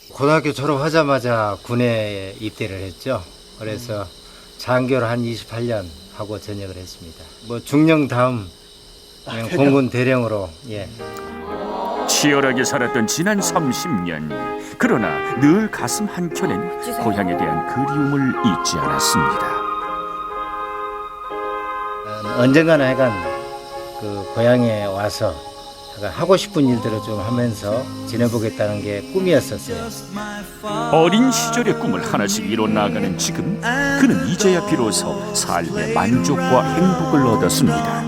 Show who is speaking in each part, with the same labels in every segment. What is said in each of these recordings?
Speaker 1: 고등학교 졸업하자마자 군에 입대를 했죠. 그래서 장교를 한 28년 하고 전역을 했습니다. 뭐 중령 다음 그냥 공군 대령으로 예.
Speaker 2: 치열하게 살았던 지난 30년. 그러나 늘 가슴 한켠엔 고향에 대한 그리움을 잊지 않았습니다.
Speaker 1: 언젠가는 하여간 그 고향에 와서 하고 싶은 일들을 좀 하면서 지내보겠다는 게 꿈이었었어요.
Speaker 2: 어린 시절의 꿈을 하나씩 이뤄 나가는 지금, 그는 이제야 비로소 삶의 만족과 행복을 얻었습니다.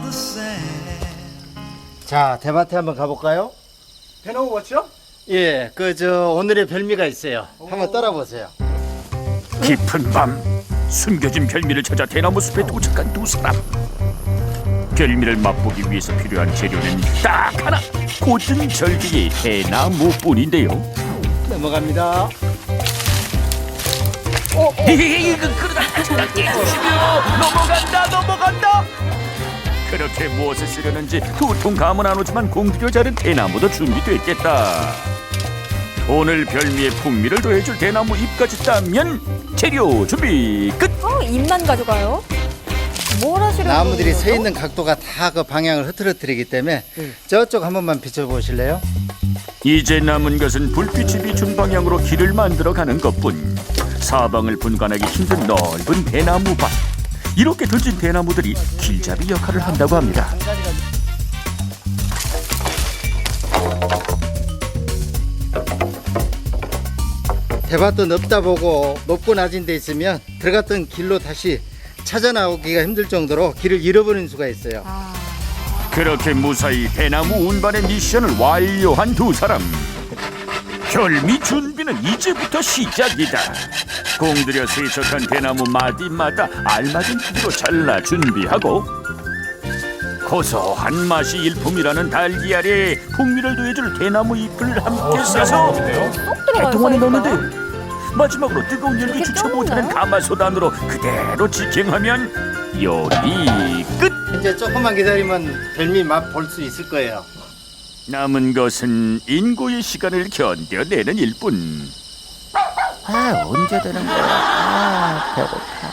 Speaker 1: 자, 대마트 한번 가볼까요?
Speaker 3: 대나무 밭이요?
Speaker 1: 예, 오늘의 별미가 있어요. 한번 따라보세요.
Speaker 2: 깊은 밤 숨겨진 별미를 찾아 대나무 숲에 도착한 두 사람. 별미를 맛보기 위해서 필요한 재료는 딱 하나, 곧은 절기의 대나무뿐인데요.
Speaker 1: 넘어갑니다.
Speaker 2: 그러다 깨주시며 넘어간다. 그렇게 무엇을 쓰려는지 도통 감은 안 오지만 공들여 자른 대나무도 준비됐겠다. 오늘 별미의 풍미를 더해줄 대나무 잎까지 따면 재료 준비 끝.
Speaker 4: 잎만 가져가요? 뭘 하시려고?
Speaker 1: 나무들이 서
Speaker 4: 그러죠?
Speaker 1: 있는 각도가 다 그 방향을 흐트러뜨리기 때문에 저쪽 한 번만 비춰보실래요?
Speaker 2: 이제 남은 것은 불빛이 비춘 방향으로 길을 만들어 가는 것뿐. 사방을 분간하기 힘든 넓은 대나무 밭. 이렇게 들진 대나무들이 길잡이 역할을 한다고 합니다.
Speaker 1: 대밭도 넓다 보고 높고 낮은 데 있으면 들어갔던 길로 다시 찾아 나오기가 힘들 정도로 길을 잃어버리는 수가 있어요.
Speaker 2: 그렇게 무사히 대나무 운반의 미션을 완료한 두 사람. 별미 준비는 이제부터 시작이다. 공들여 세척한 대나무 마디마다 알맞은 크기로 잘라 준비하고, 고소한 맛이 일품이라는 달걀에 풍미를 더해줄 대나무 잎을 함께 싸서 동안에 넣는데, 마지막으로 뜨거운 열기 주체 못하는 가마솥 안으로 그대로 직행하면 요리 끝!
Speaker 1: 이제 조금만 기다리면 별미 맛 볼 수 있을 거예요.
Speaker 2: 남은 것은 인고의 시간을 견뎌내는 일뿐.
Speaker 5: 언제 되는 거야? 배고파.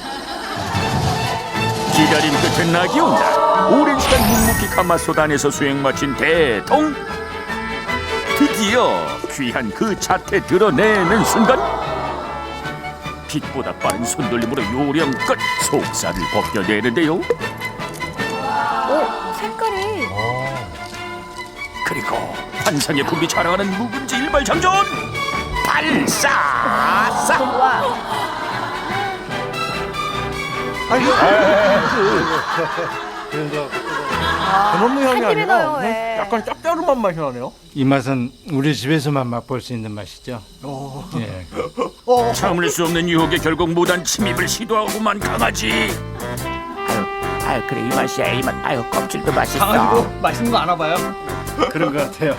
Speaker 2: 기다림 끝에 낙이 온다. 오랜 시간 묵묵히 가마솥 안에서 수행 마친 대통. 드디어 귀한 그 자태 드러내는 순간, 빛보다 빠른 손돌림으로 요령껏 속살을 벗겨내는데요.
Speaker 4: 색깔이.
Speaker 2: 그리고 환상의 품이 자랑하는 묵은지 일발장전 발사사.
Speaker 3: 대나무 향이
Speaker 4: 햇빛이 나요,
Speaker 3: 아니라
Speaker 4: 예.
Speaker 3: 약간 짭짤한 맛이 나네요.
Speaker 1: 이 맛은 우리 집에서만 맛볼 수 있는 맛이죠. 예.
Speaker 2: 참을 수 없는 유혹에 결국 무단 침입을 시도하고만 강아지.
Speaker 5: 그래 이 맛이야 이 맛. 껍질도 맛있어.
Speaker 3: 강아지도 맛있는 거 아나 봐요.
Speaker 1: 그런 것 같아요.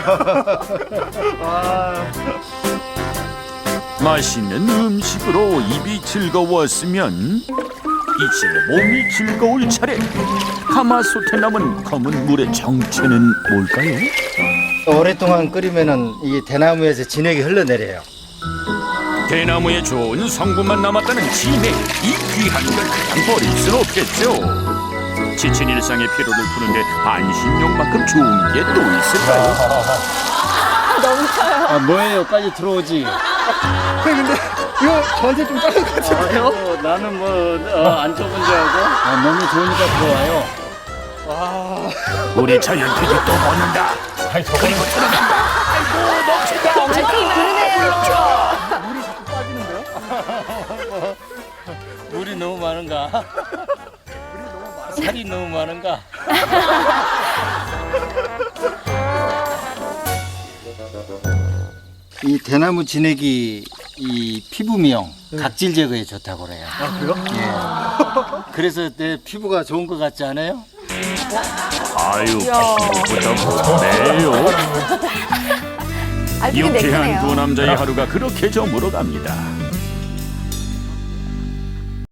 Speaker 2: 맛있는 음식으로 입이 즐거웠으면 이제 몸이 즐거울 차례. 가마솥에 남은 검은 물의 정체는 뭘까요?
Speaker 1: 오랫동안 끓이면은 이 대나무에서 진액이 흘러내려요.
Speaker 2: 대나무에 좋은 성분만 남았다는 진액. 이 귀한 걸 그냥 버릴 순 없겠죠. 지친 일상의 피로를 푸는데 반신욕만큼 좋은 게 또 있을까요?
Speaker 4: 넘쳐요.
Speaker 1: 뭐예요? 빨리 들어오지.
Speaker 3: 근데 이거 저한테 좀 작은 것 같은데요?
Speaker 1: 나는 안 좁은 줄 알고. 몸이 좋으니까 들어와요.
Speaker 2: 우리 자연택이 또 먹는다. 그리고 들어간다. 아이고 넘친다.
Speaker 4: 그러네요.
Speaker 1: 물이 너무 많은가? 살이 너무 많은가? 이 대나무 진액이 이 피부 미용, 각질 제거에 좋다고 그래요.
Speaker 3: 그래요?
Speaker 1: 예. 그래서 내 피부가 좋은 것 같지 않아요?
Speaker 2: 아유 피부보다 못해요.
Speaker 4: 되게
Speaker 2: 유쾌한
Speaker 4: 매끈해요.
Speaker 2: 두 남자의 하루가 그렇게 저물어갑니다.